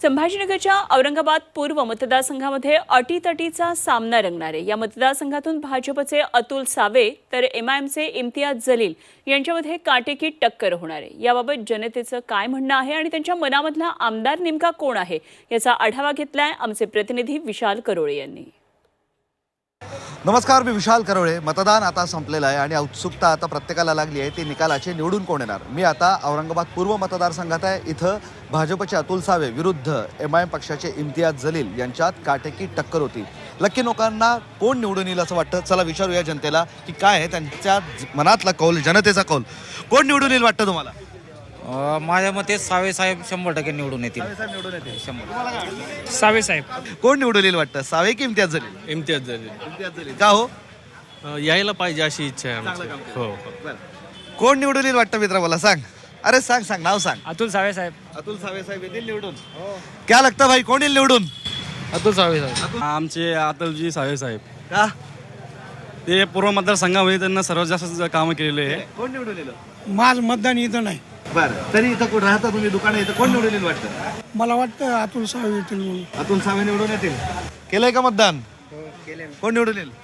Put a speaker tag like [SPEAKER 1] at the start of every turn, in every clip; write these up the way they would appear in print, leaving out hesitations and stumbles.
[SPEAKER 1] संभाजीनगरच्या औरंगाबाद पूर्व मतदारसंघामध्ये अटीतटीचा सामना रंगणार आहे। या मतदारसंघातून भाजपचे अतुल सावे तर एमआयएमचे इम्तियाज जलील यांच्यामध्ये काटेकी टक्कर होणार आहे। याबाबत जनतेचं काय म्हणणं आहे आणि त्यांच्या मनामधला आमदार नेमका कोण आहे याचा आढावा घेतलाय आमचे प्रतिनिधी विशाल करोळे यांनी।
[SPEAKER 2] नमस्कार, मी विशाल करोळे। मतदान आता संपलेलं आहे आणि उत्सुकता आता प्रत्येकाला लागली आहे ती निकालाचे निवडून कोण येणार। मी आता औरंगाबाद पूर्व मतदारसंघात आहे। इथं भाजपचे अतुल सावे विरुद्ध एमआयएम पक्षाचे इम्तियाज जलील यांच्यात काटेकी टक्कर होती। लक्की लोकांना कोण निवडून येईल असं वाटतं? चला विचारूया जनतेला की काय आहे त्यांच्या मनातला कौल, जनतेचा कौल। कोण निवडून येईल वाटतं तुम्हाला?
[SPEAKER 3] माझ्या मते सावे साहेब 100% निवडून येतील।
[SPEAKER 2] निवडून येतील
[SPEAKER 3] 100%।
[SPEAKER 4] सावे साहेब।
[SPEAKER 2] कोण निवडून येईल वाटतं? सावे की इम्तियाज जलील?
[SPEAKER 4] इम्तियाज जलील।
[SPEAKER 2] इम्तियाज जलील का हो?
[SPEAKER 4] यायला पाहिजे अशी इच्छा आहे आमची। हो
[SPEAKER 2] कोण निवडून येईल वाटतं मित्र? मला सांग। अरे सांग सांग, नाव सांग।
[SPEAKER 4] अतुल सावे साहेब।
[SPEAKER 2] अतुल सावे साहेब येतील निवडून? क्या लगता भाई, कोण येईल निवडून?
[SPEAKER 4] अतुल सावे साहेब। आमचे अतुलजी सावे साहेब
[SPEAKER 2] का?
[SPEAKER 4] ते पूर्व मतदारसंघामध्ये त्यांना सर्वात जास्त कामं केलेले आहे।
[SPEAKER 2] कोण निवडून येईल?
[SPEAKER 5] माझं मतदान इथं नाही।
[SPEAKER 2] बरं, तरी इथं कोण राहता तुम्ही, दुकान इथं कोण निवडून येईल वाटतं?
[SPEAKER 5] मला वाटतं अतुल सावे येतील म्हणून।
[SPEAKER 2] अतुल सावे निवडून येतील? केलंय का मतदान? कोण निवडून येईल?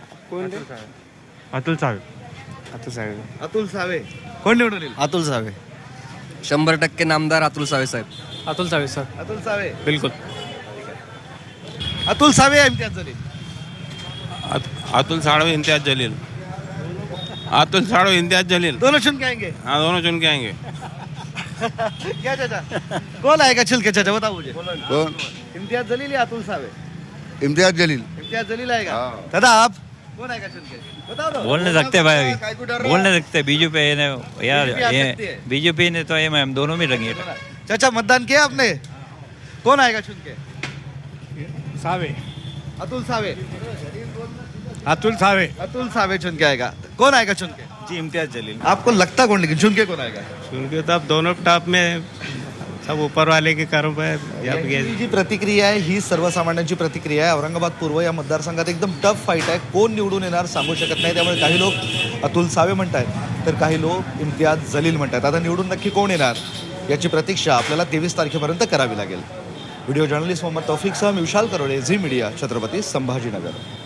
[SPEAKER 4] अतुल सावे। अतुल सावे।
[SPEAKER 2] अतुल सावे। कोण निवडून येईल?
[SPEAKER 6] अतुल सावे 100% नामदार अतुल सावे साहेब।
[SPEAKER 4] अतुल सावे सर।
[SPEAKER 2] अतुल सावे
[SPEAKER 4] बिल्कुल।
[SPEAKER 2] अतुल सावे या इम्तियाज जलील?
[SPEAKER 7] अतुल साड़ो इम्तियाज जलील। अतुल साड़ो इम्तियाज जलील।
[SPEAKER 2] दोनों चुन के आएंगे?
[SPEAKER 7] हाँ, दोनों चुन के आएंगे।
[SPEAKER 2] क्या चाचा, कौन आएगा चल के? चाचा बताओ मुझे।
[SPEAKER 6] कौन?
[SPEAKER 2] इम्तियाज जलील या अतुल सावे?
[SPEAKER 6] इम्तियाज जलील।
[SPEAKER 2] इम्तियाज जलील आएगा। दादा आप कौन आएगा चुन के? बताओ तो।
[SPEAKER 8] बोल नहीं सकते भाई, बोल नहीं सकते। बीजेपी ने यार,
[SPEAKER 2] BJP आ सकती है।
[SPEAKER 8] बीजेपी ने तो एमआईएम दोनों में लगी है।
[SPEAKER 2] चाचा मतदान किया आपने? कौन आएगा चुन के?
[SPEAKER 5] सावे।
[SPEAKER 2] अतुल सावे।
[SPEAKER 5] अतुल सावे।
[SPEAKER 2] अतुल सावे चुन के आएगा। कौन आएगा चुन के?
[SPEAKER 4] जी इम्तियाज जलील।
[SPEAKER 2] आपको लगता कौन, लेकिन चुन के कौन आएगा?
[SPEAKER 4] उनके तो अब दोनों टॉप में सब ऊपर वाले के कारोबार।
[SPEAKER 2] ही जी प्रतिक्रिया आहे ही सर्वसामान्यांची प्रतिक्रिया आहे। औरंगाबाद पूर्व या मतदारसंघात एकदम टफ फाईट आहे। कोण निवडून येणार सांगू शकत नाही। त्यामुळे काही लोक अतुल सावे म्हणतात तर काही लोक इम्तियाज जलील म्हणतात। आता निवडून नक्की कोण येणार याची प्रतीक्षा आपल्याला 23 तारखेपर्यंत करावी लागेल। व्हिडिओ जर्नलिस्ट मोहम्मद तौफिकसह मी विशाल करोळे, झी मीडिया, छत्रपती संभाजीनगर।